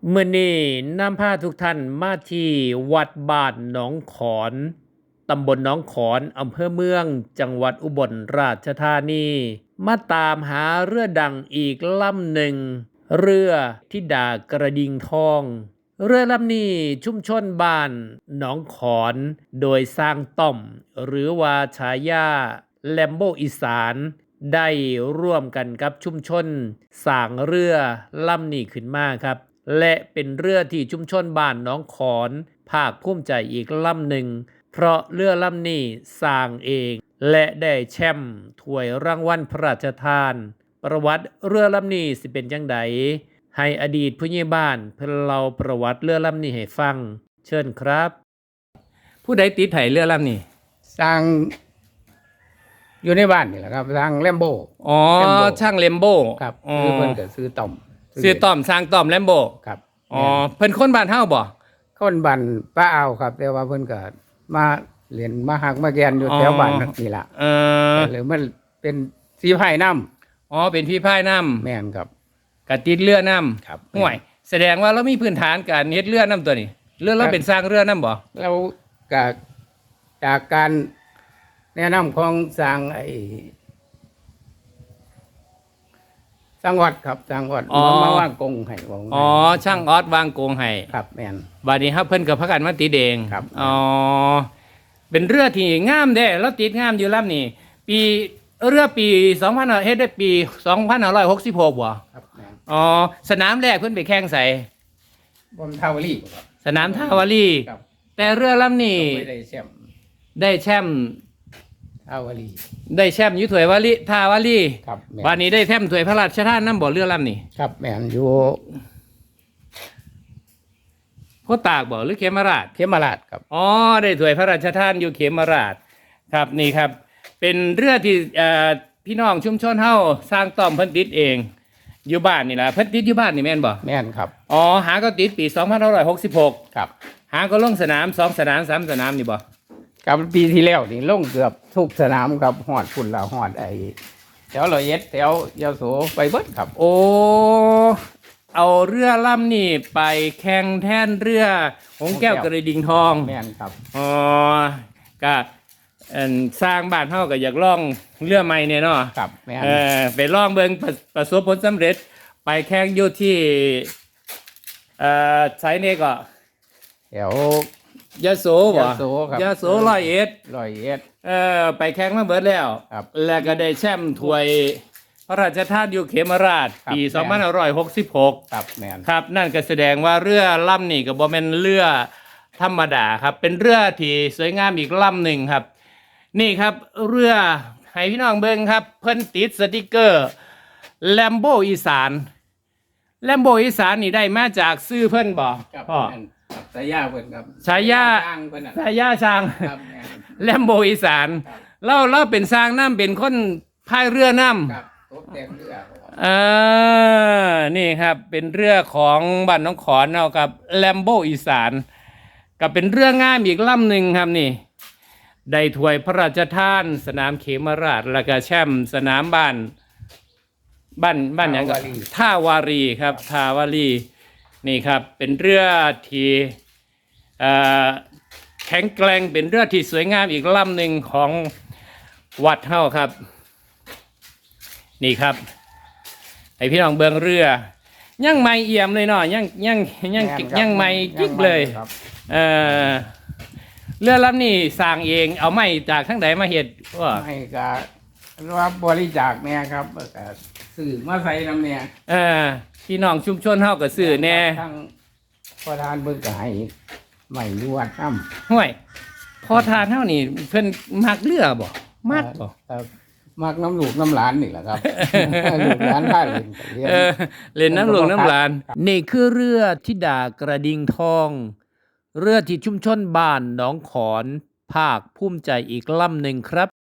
มื้อนี้นำพาทุกท่านมาที่วัดบ้านหนองขอน ตำบลหนองขอนอำเภอเมือง จังหวัดอุบลราชธานี มาตามหาเรือดังอีกลำหนึ่ง เรือธิดากระดิ่งทอง เรือลำนี้ชุมชนบ้านหนองขอน โดยสร้างต้อม หรือว่าฉายาแลมโบอีสาน ได้ร่วมกันกับชุมชนสร้างเรือลำนี้ขึ้นมาครับ และเป็นเรือที่ชุมชนบ้านหนองขอนภาคภูมิใจอีกลำหนึ่ง เพราะเรือลำนี้สร้างเอง และได้แชมป์ถ้วยรางวัลพระราชทาน ประวัติเรือลำนี้สิเป็นจังใดให้อดีตผู้ใหญ่บ้านเพิ่นเล่าประวัติเรือลำนี้ให้ฟัง เชิญครับ ผู้ใดติดให้เรือลำนี้สร้างอยู่ในบ้านนี่แหละครับสร้างแลมโบอ๋อแลมโบ้ช่างเลมโบครับอ๋อคือเพิ่นก็ซื้อต่อมซื้อต้อมสร้างต้อมเลมโบครับอ๋อเพิ่นคนบ้านเฮาบ่คนบ้านป้าเอาวครับ แต่ว่าเพิ่นก็มาเรียนมาหักมาแกนอยู่แถวบ้านนี่ล่ะ หรือมันเป็นสีไผ่น้อ๋อเป็นพี่พายน้ำแม่นครับำกะติดเรือน้ครับำห่วย แสดงว่าเรามีพื้นฐานการเฮ็ดเรือน้ำตัวนี้เรือเราเป็นสร้างเรือน้ำบ่แล้วก็จากการแนะนำของสร้างสร้างวัดครับสร้างวัดมาว่างกงให้ว่าอ๋อช่างออสวางโกงให้ครับแม่นบัดนี้ครับเพิ่นก็พากันมาติดเองครับอ๋อเป็นเรือที่งามเด้แล้วติดงามอยู่ลำนี้ปีเรือปี2000เฮ็ดได้ปี2566บ่ครับแม่นอ๋อสนามแรกเพิ่นไปแข่งใส่บนทาวลีครับสนามท่าวารีครับแต่เรือลำนี้ไม่ได้แชมป์ได้แชมป์ทาวลีได้แชมป์อยู่ถ้วยวารีท่าวารีครับแม่นวันนี้ได้แชมป์ถ้วยพระราชทานน้ำบ่อเรือลำนี้ครับแม่นอยู่โคตากบ่หรือเขมราชเขมราชครับอ๋อได้ถ้วยพระราชทานอยู่เขมราชครับนี่ครับ เป็นเรือที่พี่น้องชุมชนเฮาสร้างต้อมเพิ่นติดเอง อยู่บ้านนี่ล่ะเพิ่นติดอยู่บ้านนี่แม่นบ่แม่นครับอ๋อหาก็ติดปี2566 ครับหาก็ลงสนาม2สนาม3สนามนี่บ่กับปีที่แล้วนี่ลงเกือบทุกสนามครับฮอดพุ่นละฮอดแถวร้อยเอ็ดแถวยโสไปเบิดครับโอ้เอาเรือลำนี่ไปแข่งแทนเรือหงแก้วกระดิ่งทองแม่นครับอ๋อก็สร้างบ้านเฮาก็อยากล่องเรือใหม่เนี่ยเนาะครับแม่นไปล่องเบิ่งประสบผลสำเร็จ ไปแข่งอยู่ที่ไสนี่ก็แถวยโสบ่ยโสครับยโสร้อยเอ็ดร้อยเอ็ดไปแข่งมาเบิดแล้วครับแล้วก็ได้แชมป์ถ้วยพระราชทานอยู่เขมราชครับปีแม่น 2566 ครับแม่นครับนั่นก็แสดงว่าเรือลำนี่ก็บ่แม่นเรือธรรมดาครับ เป็นเรือที่สวยงามอีกลำหนึ่งครับ นี่ครับเรือให้พี่น้องเบิ่งครับ เพิ่นติดสติกเกอร์แลมโบอีสานแลมโบอีสานนี่ได้มาจากซื้อเพิ่นบ่ครับพ่อแม่นครับสายยาเพิ่นครับฉายาสร้างเพิ่นน่ะสายาช้างครับแม่นแลมโบอีสานครับเราเป็นสร้างน้ำเป็นคนพายเรือน้ำครับตกแต่งเรือครับนี่ครับเป็นเรือของบ้านน้องขอนเอากับแลมโบอีสานกับเป็นเรือง่ายอีกลำหนึ่งครับนี่ได้ถ้วยพระราชทานสนามเขมราชแล้วก็แชมป์สนามบ้านอย่างก็ท่าวารีครับท่าวารีนี่ครับเป็นเรือที่แข็งแกร่งเป็นเรือที่สวยงามอีกลำหนึ่งของวัดเฮาครับนี่ครับให้พี่น้องเบิ่งเรือยังไม่เอี่ยมเลยเนาะยังไม่จิ๊กเลยครับเรือลำนี้สร้างเองเอาไม้จากทั้งใดมาเฮ็ดว่าไม่ก็รับบริจาคเนี่ยครับก็ซื้อมาใส่น้ำเนี่ยพี่น้องชุมชนเฮาก็ซื้อแน่ทั้งประธานเบิ่งก็ให้ไม่ยวดน้ำห้วยพอทานเฮานี่เพิ่นมักเรือบ่มักบ่มักน้ำลูกน้ำหลานนี่แหละครับ ลูกหลานพาเล่นก็เรียนเล่นน้ำหลวงน้ำหลานนี่คือเรือธิดากระดิ่งทอง เรือที่ชุมชนบ้านหนองขอนภาคภูมิใจอีกลำหนึ่งครับ